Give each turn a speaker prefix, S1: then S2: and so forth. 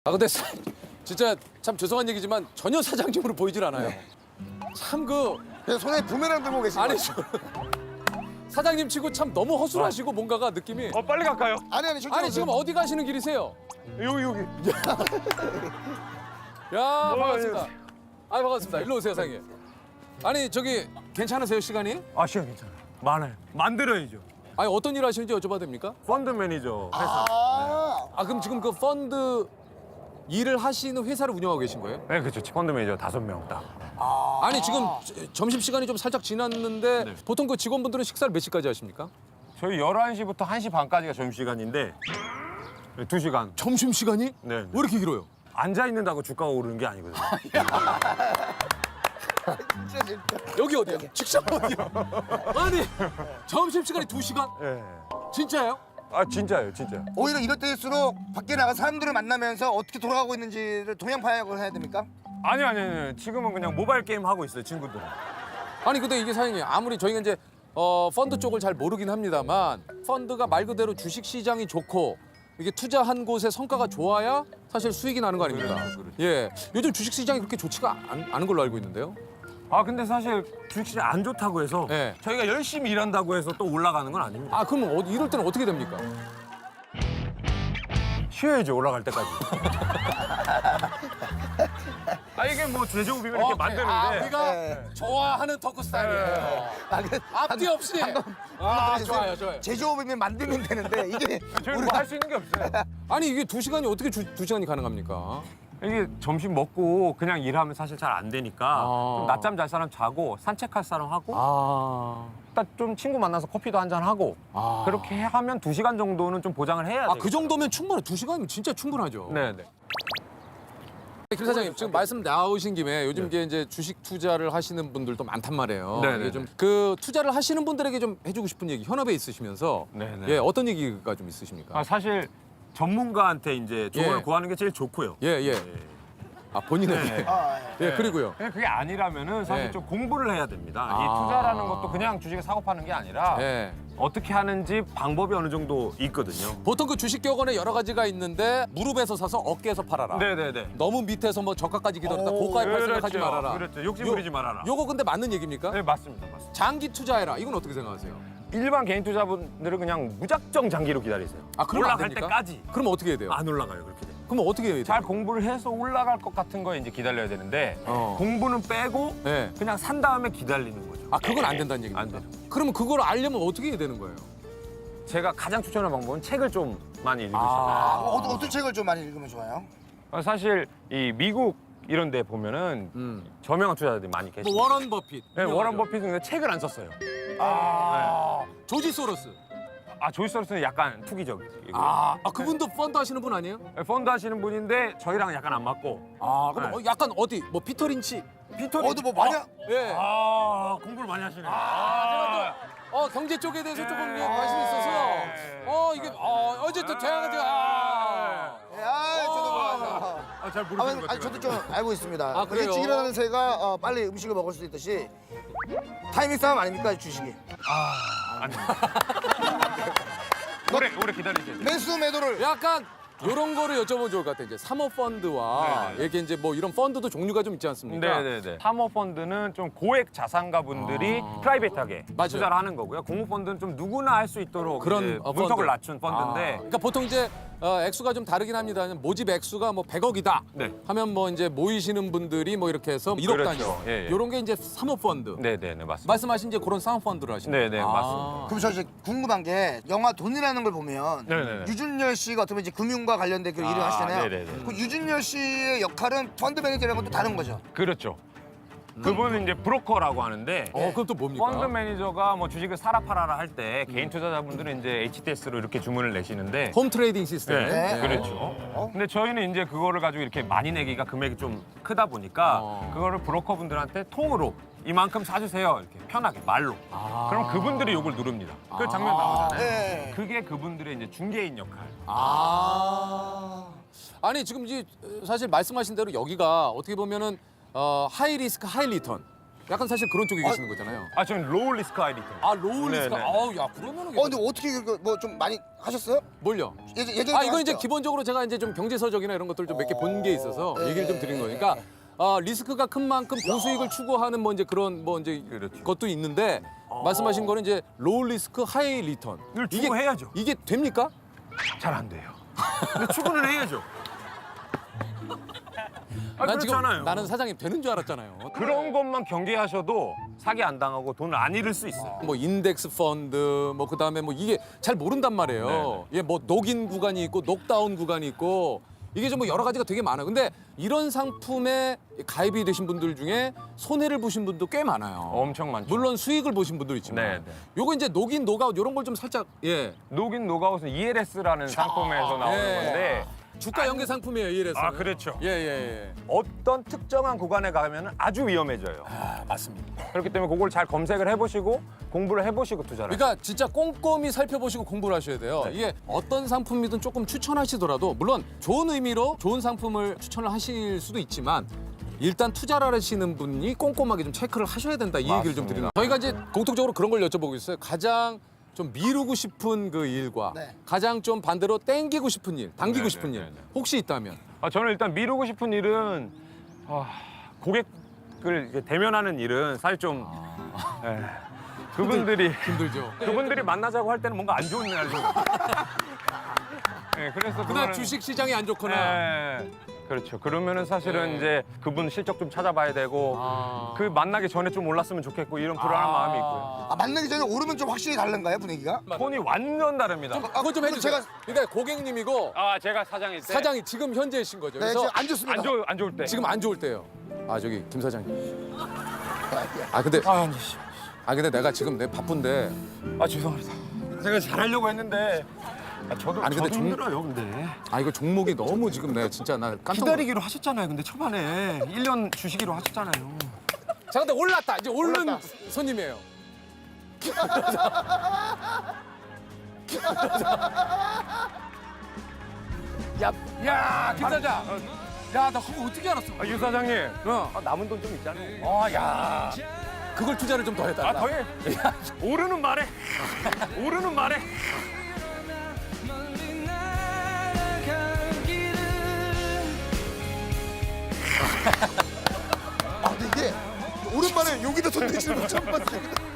S1: 아 근데 진짜 참 죄송한 얘기지만 전혀 사장님으로 보이질 않아요. 참
S2: 그냥 손에 부메랑 들고 계신
S1: 아니
S2: 거예요.
S1: 사장님 치고 참 너무 허술하시고 뭔가가 느낌이.
S3: 빨리 갈까요?
S2: 아니 저쪽
S1: 아니 지금 어디 가시는 길이세요?
S3: 여기.
S1: 야 반갑습니다. 아 반갑습니다. 일로 오세요 사장님. 아니 저기 괜찮으세요 시간이?
S3: 아 시간 괜찮아요. 많아요. 만들어야죠.
S1: 아니 어떤 일 하시는지 여쭤봐도 됩니까?
S3: 펀드 매니저 회사.
S1: 아 그럼 지금 그 펀드 일을 하시는 회사를 운영하고 계신 거예요?
S3: 네 그렇죠. 펀드 매니저 5명 딱.
S1: 아니 지금 점심 시간이 좀 살짝 지났는데
S3: 네.
S1: 보통 그 직원분들은 식사를 몇 시까지 하십니까?
S3: 저희 11시부터 1시 반까지가 점심시간인데 2시간.
S1: 점심 시간이?
S3: 네.
S1: 왜 이렇게 길어요?
S3: 앉아 있는다고 주가가 오르는 게 아니거든요.
S2: 진짜 재밌다.
S1: 여기 어디야? 직장 어디야? 아니 점심 시간이 2시간?
S3: 네.
S1: 진짜예요?
S3: 아 진짜예요, 진짜.
S2: 오히려 이럴 때일수록 밖에 나가 사람들을 만나면서 어떻게 돌아가고 있는지를 동양 파악을 해야 됩니까?
S3: 아니요. 지금은 그냥 모바일 게임 하고 있어요, 친구들은.
S1: 아니 근데 이게 사장님 아무리 저희가 이제 펀드 쪽을 잘 모르긴 합니다만 펀드가 말 그대로 주식 시장이 좋고 이게 투자한 곳의 성과가 좋아야 사실 수익이 나는 거 아닙니까?
S3: 그렇죠.
S1: 예. 요즘 주식 시장이 그렇게 좋지가 않은 걸로 알고 있는데요.
S3: 아 근데 사실 주식시장 안 좋다고 해서
S1: 네.
S3: 저희가 열심히 일한다고 해서 또 올라가는 건 아닙니다.
S1: 아 그러면 이럴 때는 어떻게 됩니까?
S3: 쉬어야죠, 올라갈 때까지. 아 이게 뭐 제조업이면 이렇게 만드는데
S1: 우리가
S2: 네.
S1: 좋아하는 토크 스타일이에요. 앞뒤 없이. 좋아요.
S2: 제조업이면 만들면 되는데 이게
S3: 저희는 뭐 할 수 있는 게 없어요.
S1: 아니 이게 2시간이 어떻게 2시간이 가능합니까?
S3: 이게 점심 먹고 그냥 일하면 사실 잘 안 되니까 좀 낮잠 잘 사람 자고 산책할 사람 하고 딱 좀 친구 만나서 커피도 한잔 하고 그렇게 하면 2시간 정도는 좀 보장을 해야 돼요.
S1: 그 정도면 충분해. 2시간이면 진짜 충분하죠.
S3: 네네.
S1: 김 사장님 지금 말씀 나오신 김에 요즘 이제 주식 투자를 하시는 분들도 많단 말이에요.
S3: 네네네.
S1: 이게 좀 그 투자를 하시는 분들에게 좀 해주고 싶은 얘기 현업에 있으시면서
S3: 네네.
S1: 예 어떤 얘기가 좀 있으십니까?
S3: 사실 전문가한테 이제 조언을
S1: 예.
S3: 구하는 게 제일 좋고요.
S1: 예. 아 본인에게.
S3: 네.
S1: 예 그리고요.
S3: 그냥 그게 아니라면은 사실
S1: 네.
S3: 좀 공부를 해야 됩니다. 이 투자라는 것도 그냥 주식에 사고 파는 게 아니라
S1: 예.
S3: 어떻게 하는지 방법이 어느 정도 있거든요.
S1: 보통 그 주식 격언에 여러 가지가 있는데 무릎에서 사서 어깨에서 팔아라.
S3: 네네네.
S1: 너무 밑에서 뭐 저가까지 기다렸다 고가에 팔 생각하지 말아라.
S3: 그렇죠. 욕심 부리지 말아라.
S1: 요거 근데 맞는 얘기입니까?
S3: 네 맞습니다.
S1: 장기 투자해라. 이건 어떻게 생각하세요?
S3: 일반 개인 투자분들은 그냥 무작정 장기로 기다리세요.
S1: 그러면 안
S3: 올라갈
S1: 됩니까?
S3: 때까지
S1: 그럼 어떻게 해야 돼요?
S3: 안 올라가요 그렇게 되면.
S1: 그럼 어떻게 해야 돼요?
S3: 잘 공부를 해서 올라갈 것 같은 거에 이제 기다려야 되는데
S1: 어.
S3: 공부는 빼고
S1: 네.
S3: 그냥 산 다음에 기다리는 거죠.
S1: 그건 안 된다는 얘기입니까?
S3: 안 돼요.
S1: 그러면 그걸 알려면 어떻게 해야 되는 거예요?
S3: 제가 가장 추천하는 방법은 책을 좀 많이 읽으시면
S2: 어떤 책을 좀 많이 읽으면 좋아요?
S3: 사실 이 미국 이런 데 보면은 저명한 투자자들이 많이 계시고
S1: 뭐 워런 버핏.
S3: 네, 워런 버핏은 근데 책을 안 썼어요.
S1: 조지 소로스.
S3: 조지 소로스는 약간 투기적이고
S1: 그분도 펀드 하시는 분 아니에요?
S3: 펀드 하시는 분인데 저희랑 약간 안 맞고
S1: 그럼
S3: 네.
S1: 약간 어디 뭐 피터 린치.
S3: 피터
S2: 어디 뭐 많이
S1: 예.
S3: 공부를 많이 하시네.
S1: 제가 또 경제 쪽에 대해서 조금 관심이 있어서 이게 어쨌든 제가
S2: 저도 뭐
S3: 잘 모르시는 것 같아요.
S2: 저도 좀 알고 있습니다.
S1: 그래요?
S2: 일찍 일어나는 새가 빨리 음식을 먹을 수 있듯이 타이밍 싸움 아닙니까 주식이?
S3: 오래 기다리셔야 돼요.
S2: 매수 매도를
S1: 약간 이런 거를 여쭤보면 좋을 것 같아요. 이제 사모펀드와
S3: 네네.
S1: 이렇게 이제 뭐 이런 펀드도 종류가 좀 있지 않습니까?
S3: 네네네. 사모펀드는 좀 고액 자산가분들이 프라이빗하게
S1: 맞아요.
S3: 투자를 하는 거고요. 공모펀드는 좀 누구나 할 수 있도록
S1: 그런
S3: 이제
S1: 펀드.
S3: 문턱을 낮춘 펀드인데
S1: 그러니까 보통 이제 액수가 좀 다르긴 합니다. 모집 액수가 뭐 100억이다.
S3: 네.
S1: 하면 뭐 이제 모이시는 분들이 뭐 이렇게 해서 1억
S3: 그렇죠.
S1: 단위.
S3: 예, 예.
S1: 이런 게 이제 사모펀드.
S3: 네네네 맞습니다.
S1: 말씀하신 이제 그런 사모펀드를 하시는
S3: 네네 맞습니다.
S2: 그럼 저 이제 궁금한 게 영화 돈이라는 걸 보면
S3: 네네네.
S2: 유준열 씨가 어떻게 보면 이제 금융과 관련된 그 일을 하시잖아요.
S3: 네네네.
S2: 그 유준열 씨의 역할은 펀드 매니저라는 것도 다른 거죠.
S3: 그렇죠. 그분은 이제 브로커라고 하는데
S1: 그럼 또 뭡니까?
S3: 펀드 매니저가 뭐 주식을 사라 팔아라 할 때 개인 투자자분들은 이제 HTS로 이렇게 주문을 내시는데
S1: 홈 트레이딩 시스템.
S2: 네.
S3: 그렇죠. 근데 저희는 이제 그거를 가지고 이렇게 많이 내기가 금액이 좀 크다 보니까 그거를 브로커분들한테 통으로 이만큼 사주세요 이렇게 편하게 말로. 그럼 그분들이 요걸 누릅니다. 그 장면 나오잖아요.
S2: 네.
S3: 그게 그분들의 이제 중개인 역할.
S1: 아니 지금 이제 사실 말씀하신 대로 여기가 어떻게 보면은 하이 리스크 하이 리턴. 약간 사실 그런 쪽에 계시는 거잖아요.
S3: 아, 저는 로우 리스크 하이 리턴.
S1: 아 로우리스크.
S3: 네네.
S1: 아우 야 그러면은
S2: 근데 어떻게 뭐 좀 많이 하셨어요?
S1: 뭘요?
S2: 예전에
S1: 아 이거 이제
S2: 하셨죠?
S1: 기본적으로 제가 이제 좀 경제서적이나 이런 것들 좀 몇 개 본 게 있어서
S2: 네.
S1: 얘기를 좀 드린 거니까 리스크가 큰 만큼 고수익을 추구하는 뭐 이제 그런 뭐 이제
S3: 그렇죠.
S1: 것도 있는데 말씀하신 거는 이제 로우 리스크 하이 리턴.
S3: 이걸 추구해야죠.
S1: 이게 됩니까?
S3: 잘 안 돼요. 근데 추구는 해야죠. 아,
S1: 난 지금
S3: 그렇잖아요.
S1: 나는 사장님 되는 줄 알았잖아요.
S3: 그런 것만 경계하셔도 사기 안 당하고 돈을 안 잃을 수 있어요.
S1: 뭐 인덱스 펀드 뭐 그다음에 뭐 이게 잘 모른단 말이에요. 예, 뭐 녹인 구간이 있고 녹다운 구간이 있고 이게 좀 뭐 여러 가지가 되게 많아요. 근데 이런 상품에 가입이 되신 분들 중에 손해를 보신 분도 꽤 많아요.
S3: 엄청 많죠.
S1: 물론 수익을 보신 분도 있지만
S3: 네, 네.
S1: 요거 이제 녹인 녹아웃 이런 걸 좀 살짝 예.
S3: 녹인 녹아웃은 ELS라는 상품에서 나오는
S1: 예.
S3: 건데
S1: 주가 연계 상품이에요, 이래서.
S3: 아, 그렇죠.
S1: 예, 예, 예.
S3: 어떤 특정한 구간에 가면 아주 위험해져요.
S1: 아, 맞습니다.
S3: 그렇기 때문에 그걸 잘 검색을 해보시고 공부를 해보시고 투자를
S1: 그러니까 진짜 꼼꼼히 살펴보시고 공부를 하셔야 돼요.
S3: 네.
S1: 이게 어떤 상품이든 조금 추천하시더라도 물론 좋은 의미로 좋은 상품을 추천을 하실 수도 있지만 일단 투자를 하시는 분이 꼼꼼하게 좀 체크를 하셔야 된다 이 얘기를 좀
S3: 맞습니다.
S1: 드리는. 저희가 이제 공통적으로 그런 걸 여쭤보고 있어요. 가장 좀 미루고 싶은 그 일과
S2: 네.
S1: 가장 좀 반대로 땡기고 싶은 일, 당기고
S3: 네,
S1: 싶은
S3: 네,
S1: 일
S3: 네, 네.
S1: 혹시 있다면
S3: 저는 일단 미루고 싶은 일은 고객을 이제 대면하는 일은 사실 좀 예, 그분들이
S1: 힘들죠.
S3: 그분들이 만나자고 할 때는 뭔가 안 좋은 날이죠. 예, 그래서
S1: 그날
S3: 그거는-
S1: 주식 시장이 안 좋거나
S3: 예, 그렇죠. 그러면은 사실은
S1: 네.
S3: 이제 그분 실적 좀 찾아봐야 되고
S1: 아.
S3: 그 만나기 전에 좀 올랐으면 좋겠고 이런 불안한 마음이 있고요.
S2: 아, 만나기 전에 오르면 좀 확실히 다른가요 분위기가?
S3: 톤이 완전 다릅니다.
S1: 그거 좀 해주세요.
S2: 제가-
S1: 그러니까 고객님이고
S3: 제가 사장일 때
S1: 사장이 지금 현재이신 거죠.
S2: 네,
S1: 그래서
S2: 지금 안 좋습니다.
S3: 안 좋을 때
S1: 지금 안 좋을 때요. 아 저기 김 사장님. 아 근데 근데 내가 지금 내 바쁜데
S3: 죄송합니다. 제가 잘하려고 했는데 저도
S1: 아니, 근데
S3: 힘들어요. 근데
S1: 아 이거 종목이 너무 지금 내가 진짜 나 깜짝 놀랐.
S3: 기다리기로 하셨잖아요. 근데 초반에 1년 주시기로 하셨잖아요.
S1: 자 근데 올랐다. 이제 오른
S2: 올랐다.
S1: 손님이에요. 야, 김 사장. 야, 나 그거 어떻게 알았어?
S3: 유 사장님,
S1: 어.
S3: 남은 돈 좀 있잖아요.
S1: 야. 그걸 투자를 좀 더 해달라.
S3: 더해. 오르는 말에. 오르는 말에.
S2: 아 근데 이게 오랜만에 여기다 손 대시는 거 처음 봤어요.